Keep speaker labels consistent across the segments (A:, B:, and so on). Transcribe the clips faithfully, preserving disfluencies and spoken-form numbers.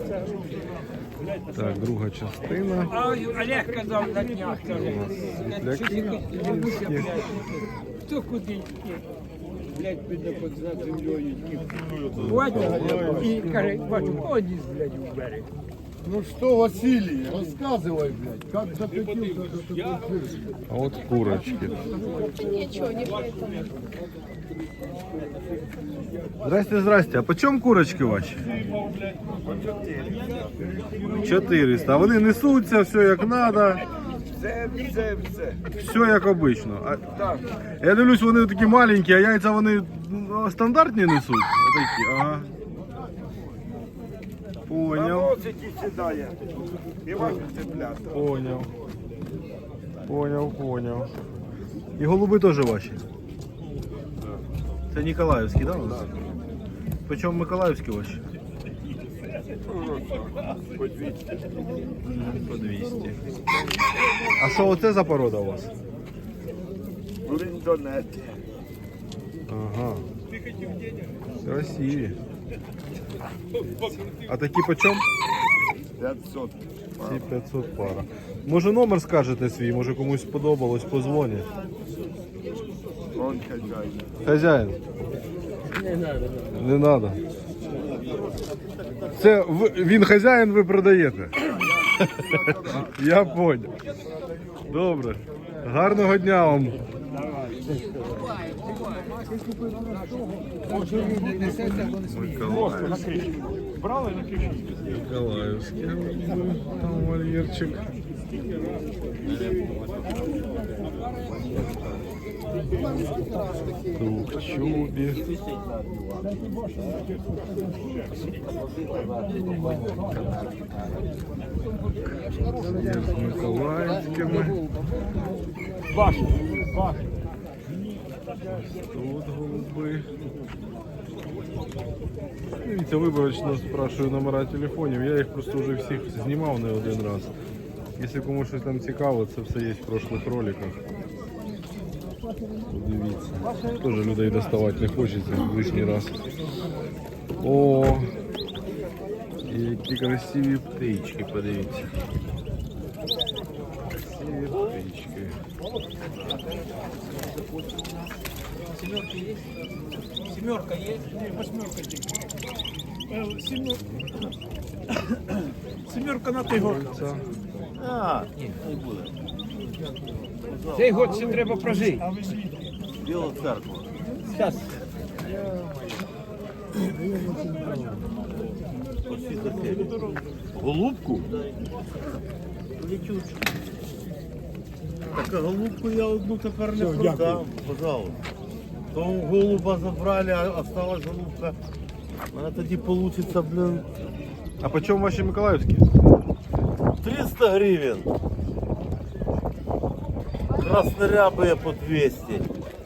A: Так, друга частина.
B: А Олег казав на днях, каже, хто куди йти? Блядь, піде під за землею. Бачу, і каже, бачу, одіс, блядь, у берег.
C: Ну что, Василий, рассказывай, блядь, как закатился этот эфир.
A: А от курочки.
D: Ничего, не поэтому.
A: Здрасте, здрасте. А по чому курочки ваші? чотириста. А вони несуться, все як треба.
C: Все, все, все.
A: Все як обично. А, я дивлюсь, вони такі маленькі, а яйця вони ну, стандартні несуть? Отакі, ага. Поняв.
C: Носики сідає. І ваші цеплята.
A: Поняв. Поняв, поняв. І голуби теж ваші? Це Ніколаївські, так? Да? По чому Миколаївські ваші?
C: По двісті.
A: По двісті. А що оце за порода у вас?
C: Ліндонет.
A: Ага. Красиві. А такі по чому?
C: п'ятсот.
A: Ці п'ятсот пара. Може номер скажете свій, може комусь сподобалось, позвонять.
C: Он хазяїн.
A: Хазяїн. Не треба. Це ви- він хазяїн, ви продаєте. Я понял. Добре. Гарного дня вам. Миколаївський. Миколаївський. Там вольєрчик. Двухчубі. З Миколаївськими. Тут голуби. Дивіться, виборочно спрашую номера телефонів. Я їх просто вже всіх знімав не один раз. Якщо комусь щось там цікаво, це все є в прошлих роликах. Дивіться. Теж людей доставати не хочеться лишній раз. О, які красиві птички, подивіться. Красиві птички.
B: Семерка есть? Семерка есть? Нет, восьмерка есть. Семерка. Семерка на той год.
A: Це
E: А, ні, не буде.
B: Цей год ще треба прожити.
E: Біла церква.
B: Зараз.
E: Голубку? Так, а голубку я одну тепер не продам, пожалуйста. То голуба забрали, а осталась голубка. У мене тоді вийде, блин,
A: А по чому ваші Миколаївські?
E: триста гривень. Краснорябые по двести.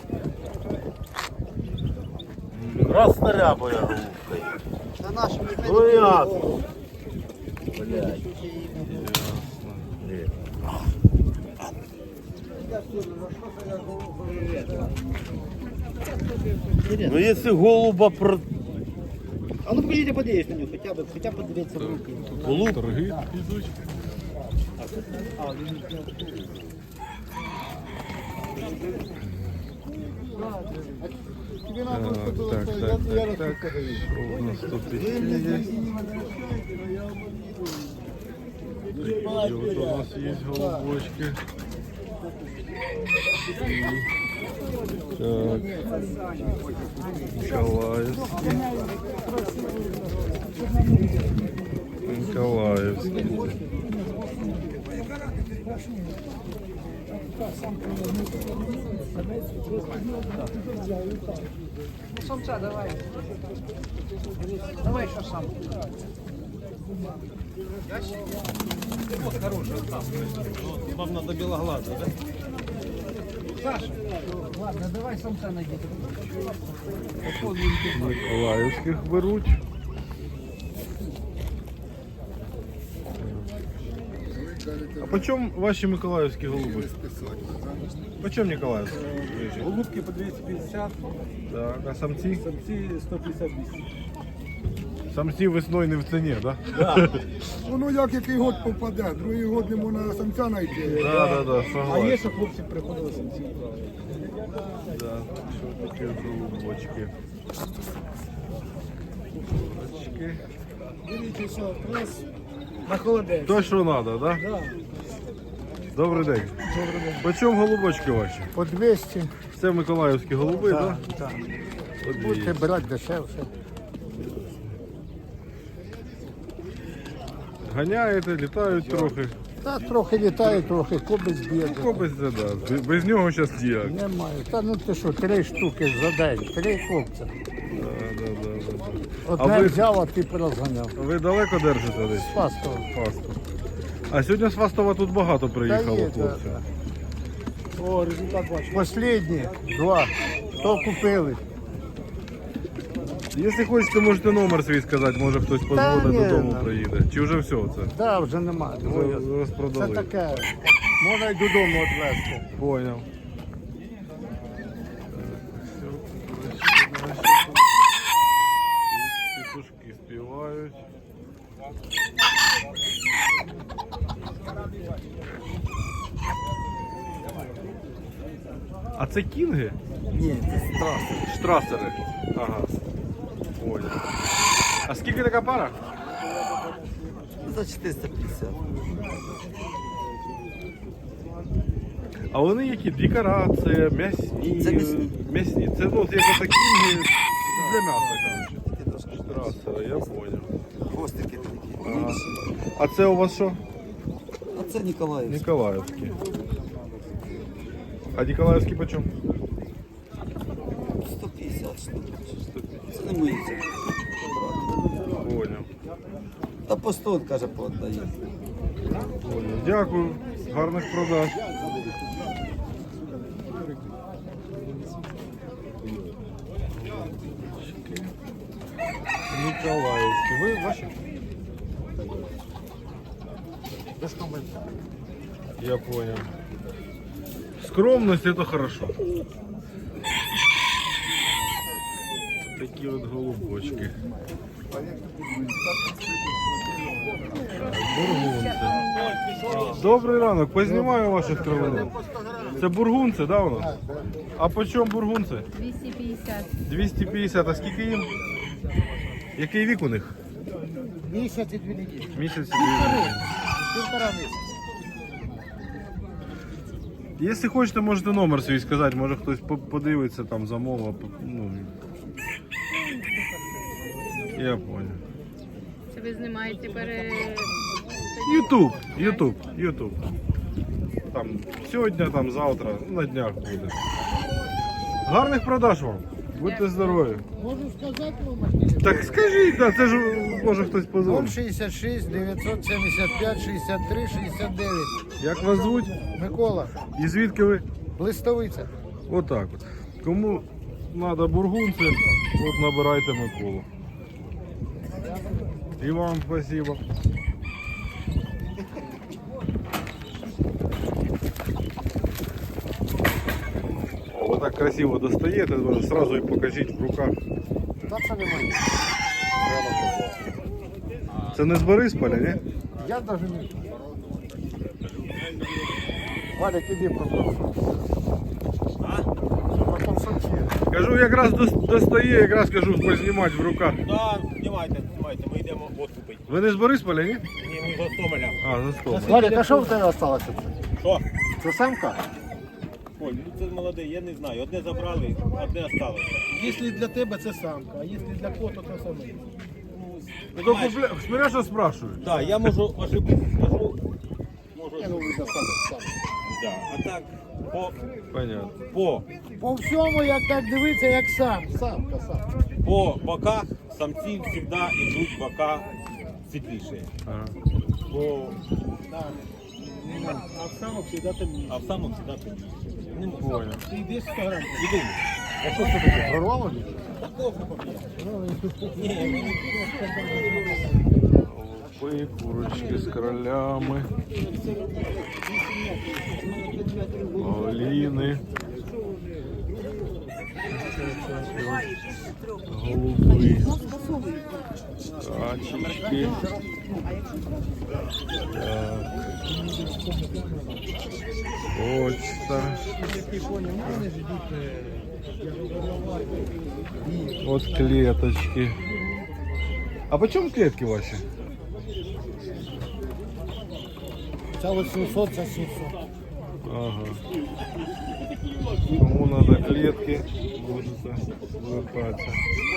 E: Краснорябая голубка. Ну ясно. Блядь. Ну если голуба про...
F: А ну покажите подъезд на него, хотя бы, хотя бы подивиться в руки.
E: Голуб?
A: Торги йдуть. Так, так, так, так, так. Що у нас тут ще є? Такі от у нас є голубочки. Так. Николаевский. Николаевский.
B: Самца давай. Давай еще сам. Вот хороший там.
E: Вам надо белоглазый, да?
B: Саша, ладно, давай самца найди.
A: Миколаївських беруть. А по чому ваші миколаївські голуби? По чому Ніколаївські?
C: Голубки по двести пятьдесят,
A: Так, а самці?
C: самцы сто пятьдесят двести.
A: Самці весною не в ціні, так? Да?
C: Воно як який год попаде, другий год не можна самця знайти.
A: Да, да, да,
B: А
A: согласен.
B: є, що хлопці приходили самці брали.
A: Да, що такі голубочки. Голубочки.
B: Дивіться, що, раз на холодець.
A: То, що треба, да?
B: Да.
A: Добрий день.
B: Добрий день.
A: По чому голубочки ваші?
C: По двісті.
A: Це миколаївські голуби, так? Да?
C: Так.
A: По двісті.
C: Будете брати дешевше.
A: Ганяєте, літають трохи.
C: Та трохи літає, трохи кобець б'є.
A: Ну, без це, да. Без- Без нього зараз ніяк.
C: Немає. Та ну ти що, три штуки за день, три хлопця.
A: Да, да, да, да, да. А
C: Одне
A: ви,
C: взяв, а ти порозганяв.
A: ви далеко держите десь?
C: Спасибо.
A: Фастов. А сьогодні з Фастова тут багато приїхало
C: Та є,
A: хлопців.
C: да,
B: О, результат бачу.
C: Последні два. То купили.
A: Якщо хочете, можете номер свій сказати, може хтось позвонить
C: ні,
A: додому
C: ну.
A: приїде. Чи вже все це?
C: Да, вже немає.
A: Вже
C: Це
A: розпродали.
C: таке. Можна й додому відвезти.
A: Поняв. Петушки співають. А це кінги?
F: Ні, це страшно.
A: Штрасери. Ага. Поняв. А скільки така пара?
F: За чотириста п'ятдесят.
A: А вони які? Декорація, м'ясні.
F: Це м'ясні.
A: М'ясні. Це ну, як такі кінги для м'яса, коротше. Штрасери, я поняв.
F: Хвостики такі.
A: Ага. А це у вас що?
F: А це Ніколаївський.
A: Ніколаївські. А Ніколаївські по чому?
F: сто п'ятдесят штук. Це не мої. Це.
A: Поняв.
F: Та по сто, каже, пооддає.
A: Поняв. Дякую. Гарних продаж. Ніколаївські. Ви ваші? Я понял. Скромность это хорошо. Такие вот голубочки. Так, бургунці. Добрий ранок, познімаю ваших травинок. Це бургунці, да, у нас? А по чому бургунці?
D: двести пятьдесят.
A: двісті п'ятдесят, а скільки їм? Який вік у них?
B: Місяць і дві неділі.
A: Місяць і дві неділі.
B: Півтора місяця.
A: Якщо хочете, можете номер свій сказати, може хтось по- подивиться там замова. Ну, я понял.
D: Це ви знімаєте пере...
A: Ютуб, Ютуб, Ютуб. Там сьогодні, там завтра, ну, на днях буде. Гарних продаж вам. Будьте здорові.
C: Можу сказати вам?
A: Так скажіть, да, це ж може хтось позвонить.
C: шістдесят шість, дев'ятсот сімдесят п'ять, шістдесят три, шістдесят дев'ять.
A: Як вас звуть?
C: Микола,
A: І звідки ви?
C: Листовиця.
A: Отак от. Кому треба бургунці, от набирайте Миколу. І вам спасибо. О, ви так красиво достаєте, одразу і покажіть в руках.
C: Та це немає.
A: Це не з Борисполя, ні?
C: Я навіть не. Валя, іди просто. Потім самці.
A: Кажу, якраз дос- достає, якраз кажу, познімати в руках.
G: Так, знімайте, знімайте, ми йдемо водку пити.
A: Ви не з Борисполя, ні?
G: Ні, ми з Гостомеля.
A: А, за стол.
C: Валя, а що в тебе залишилося?
G: Що?
C: Це самка?
G: Оль, ну це молодий, я не знаю. Одне забрали, одне осталося.
B: Якщо для тебе це самка, а якщо для кота, то саме.
A: Ну, купля... Смотря, що спрашують.
G: Так, я можу ошибитися, скажу. Можу ошибитися. Да. А так, по,
A: Понятно.
G: по,
B: По всьому, як так дивиться, як сам.
C: Самка, самка.
G: по боках самці завжди йдуть бока світліші.
A: Ага.
G: По,
B: А в самок завжди темніше.
G: а в самому завжди темніше. Не можу.
A: Понял.
B: Ти йди сто грам.
G: Іду.
C: А що це таке? Прорвало?
G: Ні,
A: Голуби, курочки з королями. Оліни. Голуби. Качечки. Так. Почта. Вот клеточки. А почем клетки ваши?
C: Це вісімсот, це сімсот.
A: Ага. Кому надо клетки, можете звертаться.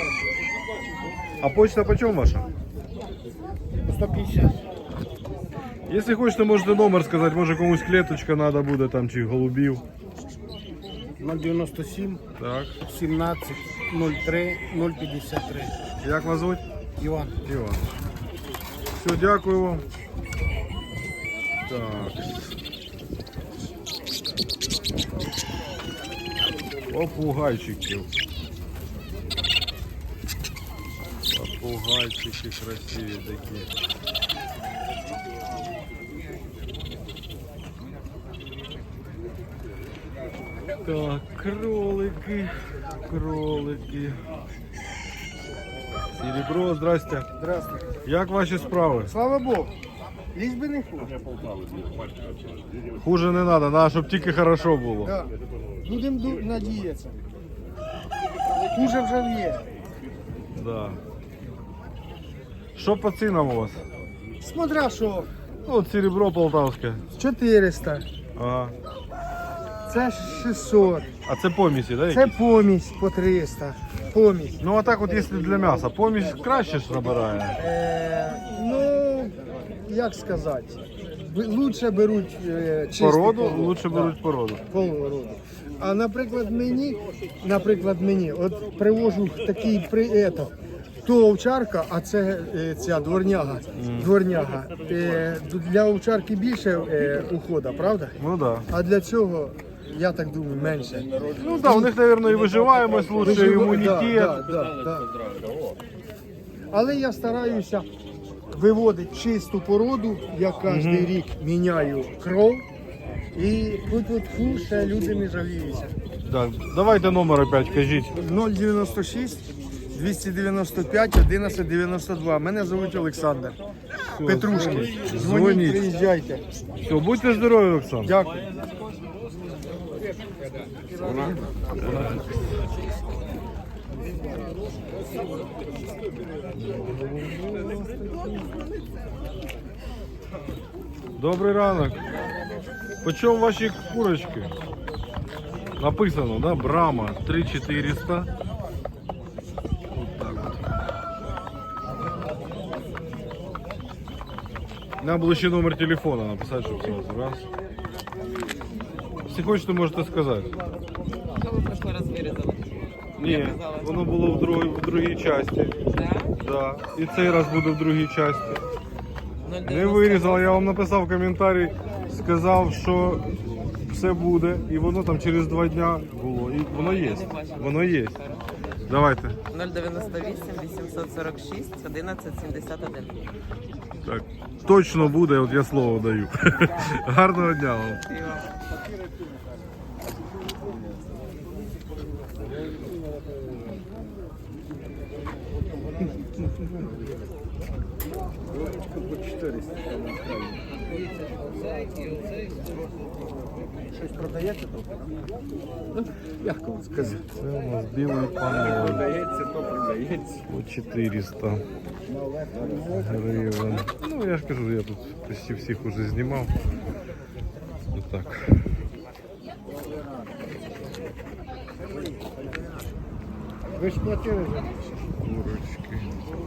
A: А почта почем ваша?
C: сто п'ятдесят.
A: Если хочете, можете номер сказать, може комусь клеточка надо буде там чи голубів.
C: нуль дев'яносто сім,
A: Так.
C: сімнадцять, нуль три, нуль п'ятдесят три.
A: Як вас звуть?
C: Іван.
A: Іван. Все, дякую вам. Так. Попугайчиків. Попугайчики красиві такі. Так, кролики, кролики. Серебро, здрасте.
C: Здравствуйте.
A: Як ваші справи?
C: Слава Богу. Лізь би не хуже.
A: Хуже не треба, треба, щоб тільки хорошо було.
C: Да. Будемо ду- надіятися. Хуже вже є.
A: Да. Що по цінам у вас?
C: Смотря що.
A: Ну, от серебро полтавське.
C: чотириста.
A: Ага.
C: Це шістсот.
A: А це помісі, да?
C: Це
A: якісь?
C: помість по триста. Помість.
A: Ну а так от якщо для м'яса, помість краще ж набирає.
C: Е, ну, як сказати, б- лучше беруть е, чистий
A: Породу,
C: полов.
A: лучше
C: Да,
A: беруть породу.
C: породу. А наприклад мені, наприклад мені, от привожу такий при ето, то овчарка, а це е, ця дворняга. Дворняга. Е, для овчарки більше е, ухода, правда?
A: Ну так. Да.
C: А для цього, я так думаю, менше.
A: Ну так, да, у них, мабуть, і виживаємось лучше, і
C: Вижив-
A: імунітет.
C: Да, да, да, да. Але я стараюся виводити чисту породу, я кожен рік міняю кров. І тут от фу, ще люди не жаліються.
A: Так, давайте номер опять кажіть.
C: нуль дев'яносто шість, двісті дев'яносто п'ять, одинадцять дев'яносто два. Мене звуть Олександр. Петрушки. Дзвоніть,
A: Дзвоніть.
C: приїжджайте.
A: Все, будьте здорові, Олександр.
C: Дякую.
A: Добрий ранок. Почем ваші курочки? Написано, да? Брама три чотириста. Вот так вот. Нам було ще номер телефона написати, щоб сразу раз. Якщо хочете, можете сказати.
H: Що ви в прошлый раз вирізали?
A: Ні, воно було в другій, в другій часті.
H: Да?
A: Да. І цей раз буде в другій часті.
H: нуль
A: Не
H: дев'яносто
A: вирізав, я вам написав коментарі, сказав, що все буде, і воно там через два дня було. І воно є. Воно є. Давайте.
H: нуль дев'яносто вісім, вісімсот сорок шість, одинадцять сімдесят один.
A: Так. Точно буде, от я слово даю. Гарного дня вам.
H: І вам.
C: Щось продаєте тут? Як вам сказати?
A: Це у нас білий панель.
B: Продається, то продається.
A: По чотириста гривень. Ну, я ж кажу, я тут почти всіх уже знімав. Отак.
C: Ви ж платили вже?
A: Курочки.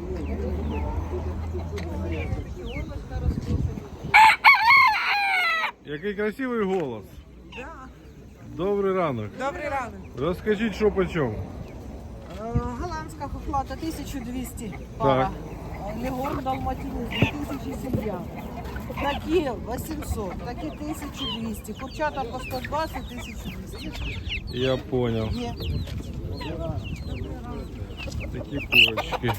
A: Який красивий голос. Добрий ранок.
I: Добрий ранок.
A: Розкажіть, що по чому.
I: Е, Голландська хохлата тисяча двісті пара. Легон Далматинець дві тисячі сім'я. Такі вісімсот, такі тисяча двісті. Курчата по сто двадцять, тисяча двісті.
A: Я понял.
I: Є.
A: Такі курочки.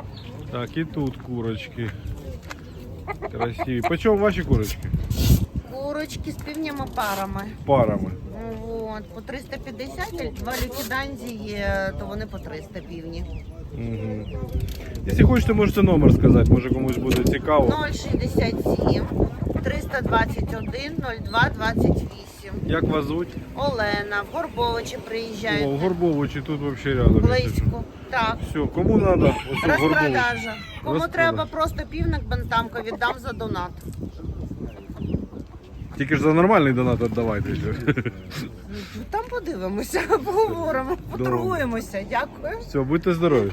A: Так, і тут курочки. Красиві. По чому ваші курочки?
I: Курочки з півнями парами.
A: Парами.
I: От, по триста п'ятдесят, два ліквіданзі є, то вони по триста півні.
A: Угу. Якщо хочете, можете номер сказати, може комусь буде цікаво.
I: ноль шістдесят сім, триста двадцять один, нуль два двадцять вісім.
A: Як вас звуть?
I: Олена, в Горбовичі
A: О, в
I: приїжджають.
A: Горбовичі, тут взагалі рядом.
I: Близько. Так.
A: Все, кому треба, ось в Горбовичі.
I: Розпродажа. Кому
A: Розпродаж.
I: треба просто півник бентамка, віддам за донат.
A: Тільки ж за нормальний донат віддавайте.
I: Там подивимося, поговоримо, поторгуємося. Дякую.
A: Все, будьте здорові.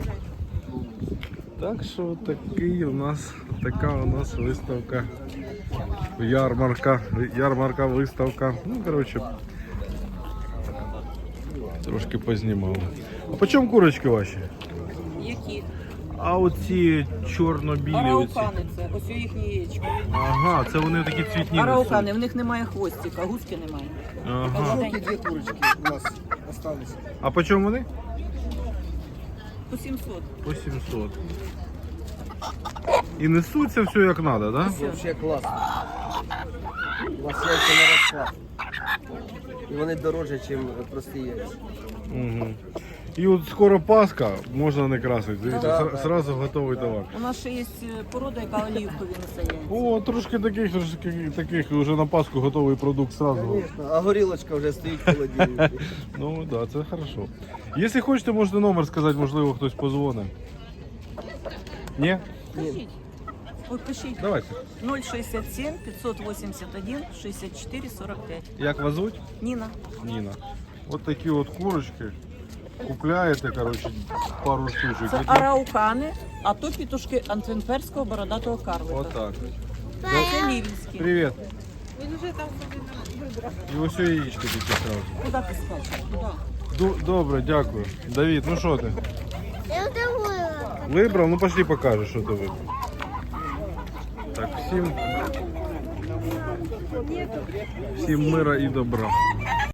A: Так що такий у нас, така у нас виставка. Ярмарка, ярмарка, виставка. Ну, коротше, трошки познімали. А по чому курочки ваші?
H: Які?
A: А оці чорно-білі оці.
H: Араукани це, ось їх яєчко.
A: Ага, це вони такі цвітні.
H: Араукани,
A: несуть.
H: в них немає хвостика, гуски немає.
A: Ага.
C: Дві курочки у нас осталось.
A: А по чому вони?
H: По сімсот.
A: По сімсот. І несуться все як треба, да?
J: Вообще класно. У вас яйця на розклад. І вони дорожчі, ніж прості яйця.
A: Угу. І от скоро Пасха, можна не красити. Дивіться,
J: Да,
A: сра-
J: да.
A: сразу готовий товар.
H: У нас ще є порода, яка олівкові несе яйця.
A: О, трошки таких, трошки таких, вже на Пасху готовий продукт сразу.
J: Звісно, а горілочка вже стоїть в холодильнику.
A: Ну так, да, це хорошо. Якщо хочете, можете номер сказати, можливо, хтось позвонить. Ні?
H: Кажіть. Ой, пишіть.
A: Давайте.
H: ноль шістдесят сім, п'ятсот вісімдесят один, шістдесят чотири сорок п'ять.
A: Як вас звуть?
H: Ніна.
A: Ніна. От такі от курочки. Купляєте, коротше, пару штучок.
H: Це
A: Які-
H: араукани, а то пітушки антверпського бородатого карлика.
A: Отак.
H: Це лівінські.
A: Привіт.
D: Він вже там собі вибрав.
A: І ось яєчко таке сразу.
H: Куди ти скачеш? Куди?
A: Ду- Добре, дякую. Давид, ну що ти?
I: Я вдоволена.
A: Вибрав? Ну пошли покажеш, що ти вибрав. Так, всім, всім мира і добра.